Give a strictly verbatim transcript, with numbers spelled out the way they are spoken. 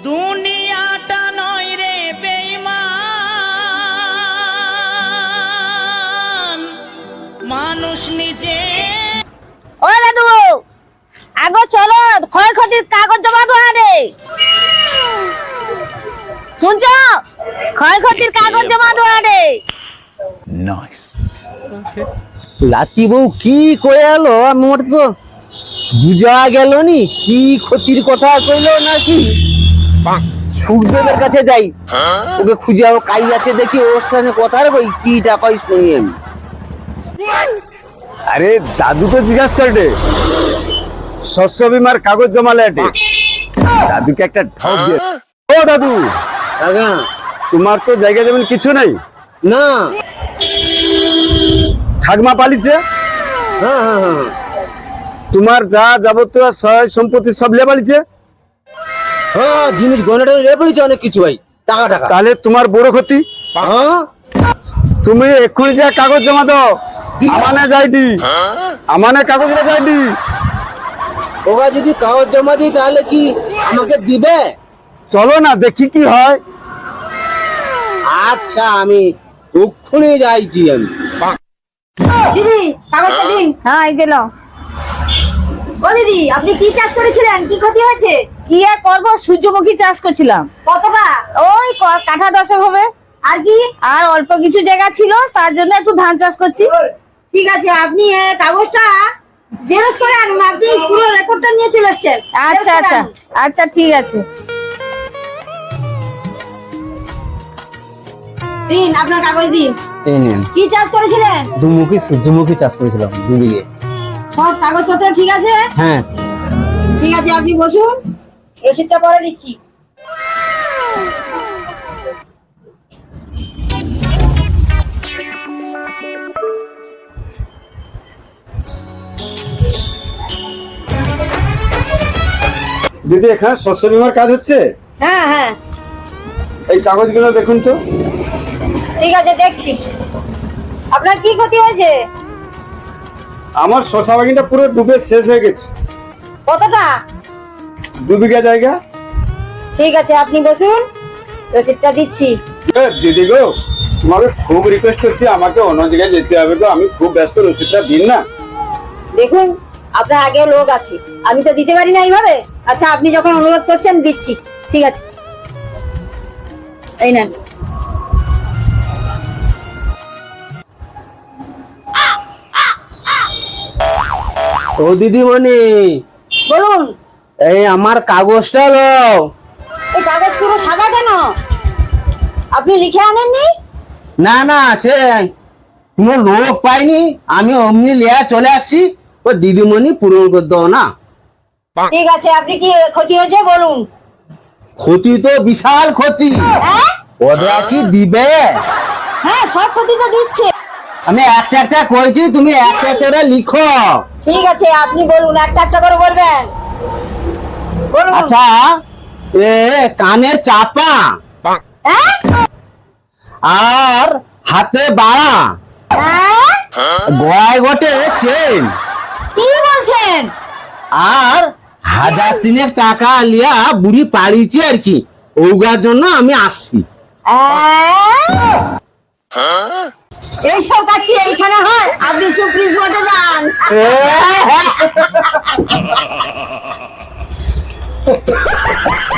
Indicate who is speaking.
Speaker 1: দুনিয়াটা নয় রে বেঈমান, মানুষ নিজে।
Speaker 2: ও দাদু, আগো চলো ক্ষয়ক্ষতির কাগজ জমা দেওয়া রে। শুনছ, ক্ষয়ক্ষতির কাগজ জমা দেওয়া রে।
Speaker 3: নাইস। লাতি বউ কি করে এলো আমার তো বুঝা গেল নি, কি ক্ষতির কথা কইলো নাকি। সুখদেবের কাছে যাই, ওকে খুঁজে আও, কাই আছে দেখি ওর সাথে কথা কই, কি টাকাই শুনি আমি।
Speaker 4: আরে দাদু তো জিজ্ঞাসা করবে শস্য বিমার কাগজ জমালে এটে, দাদুকে একটা ঠক দিয়ে। ও দাদু,
Speaker 3: আগা
Speaker 4: তোমার তো জায়গা জমিন কিছু নেই
Speaker 3: না।
Speaker 4: ঠাকমা পালিছে,
Speaker 3: হ্যাঁ হ্যাঁ হ্যাঁ,
Speaker 4: তোমার যা যাবতীয় সহায় সম্পত্তি সব লে পালিছে।
Speaker 3: হ্যাঁ জিনিস গয়নাটা রে পড়েছে অনেক কিছু ভাই, টাকা টাকা।
Speaker 4: তাহলে তোমার বড় ক্ষতি।
Speaker 3: হ্যাঁ
Speaker 4: তুমি এক্ষুনি যা কাগজ জমা দাও, আমানে যাইডি, আমানে কাগজটা যাইডি।
Speaker 3: ওরা যদি কাগজ জমা দিই তাহলে কি আমাকে দিবে?
Speaker 4: চলো না দেখি কি হয়।
Speaker 3: আচ্ছা আমি ওক্ষুনি যাইছি আমি।
Speaker 2: দিদি কাগজটা দিন। হ্যাঁ এই যে নাও। ও দিদি, আপনি কি চাষ করেছিলেন, কি ক্ষতি হয়েছে? কি আর করবো, সূর্যমুখী চাষ করছিলাম। কতটা? ওই ক- কাঠা দশক হবে। আর কি? আর অল্প কিছু জায়গা ছিল, তার জন্য একটু ধান চাষ করছি। ঠিক আছে, আপনি এ কাগজটা জেরক্স করে আনুন, আপনি পুরো রেকর্ডটা নিয়ে চলে এসেছেন। আচ্ছা আচ্ছা আচ্ছা ঠিক আছে। দিন আপনার কাগজ দিন।
Speaker 3: এই নেন,
Speaker 2: কি চাষ করেছিলেন?
Speaker 3: দুমুখী সূর্যমুখী চাষ করেছিলাম দু বিঘে।
Speaker 2: সব কাগজপত্র ঠিক আছে?
Speaker 3: হ্যাঁ
Speaker 2: ঠিক আছে, আপনি বসুন, রসিদটা পরে দিচ্ছি।
Speaker 4: দিদি এখানে শস্য বিমার কাজ হচ্ছে,
Speaker 2: হ্যাঁ হ্যাঁ
Speaker 4: এই কাগজগুলো দেখুন তো।
Speaker 2: ঠিক আছে, দেখছি। আপনার কি ক্ষতি হয়েছে?
Speaker 4: আমার শশা বাগিনটা পুরো ডুবে শেষ হয়ে গেছে,
Speaker 2: কতটা?
Speaker 4: দু বিঘা জায়গা।
Speaker 2: ঠিক আছে, আপনি বসুন, রসিদটা দিচ্ছি।
Speaker 4: এ, দিদি গো, তোমাকে খুব রিকোয়েস্ট করছি, আমাকে অন্য জায়গায় যেতে হবে তো, আমি খুব ব্যস্ত, রসিদটা দিন না।
Speaker 2: দেখুন, আপনার আগেও লোক আছে, আমি তো দিতে পারি না এইভাবে। আচ্ছা, আপনি যখন অনুরোধ করছেন দিচ্ছি। ঠিক আছে, এই নেন।
Speaker 3: ও দিদিমণি,
Speaker 2: বলুন।
Speaker 3: এই আমার কাগজটা লও।
Speaker 2: এই কাগজ পুরো সাদা কেন? আপনি লিখে আনেননি?
Speaker 3: না না, সে কোনো লোক পাইনি, আমি অমনি লিয়া চলে আসছি। ও দিদিমণি পূরণ করে দাও না।
Speaker 2: ঠিক আছে, আপনি কি ক্ষতি হয়েছে বলুন।
Speaker 3: ক্ষতি তো বিশাল ক্ষতি,
Speaker 2: হ্যাঁ
Speaker 3: ওরা কি দিবে?
Speaker 2: হ্যাঁ, সব ক্ষতি তো দিচ্ছে।
Speaker 3: আমি একটা একটা করেছি, তুমি একটা একটা লিখো।
Speaker 2: ঠিক আছে, আপনি বলুন, একটা একটা করে বলবেন। বলুন।
Speaker 3: আচ্ছা, এ কানের চাপা,
Speaker 2: হ্যাঁ
Speaker 3: আর হাতে বাড়া,
Speaker 2: হ্যাঁ,
Speaker 3: গলায় গোটে চেন,
Speaker 2: কি বলছেন?
Speaker 3: আর হাজার তিনেক টাকা লিয়া বুড়ি পালিয়েছি আর কি, ওগার জন্য আমি আসছি।
Speaker 2: হ্যাঁ? এইসব কাজ কি এইখানে হয়? আপনি সুপ্রিম কোর্টে যান।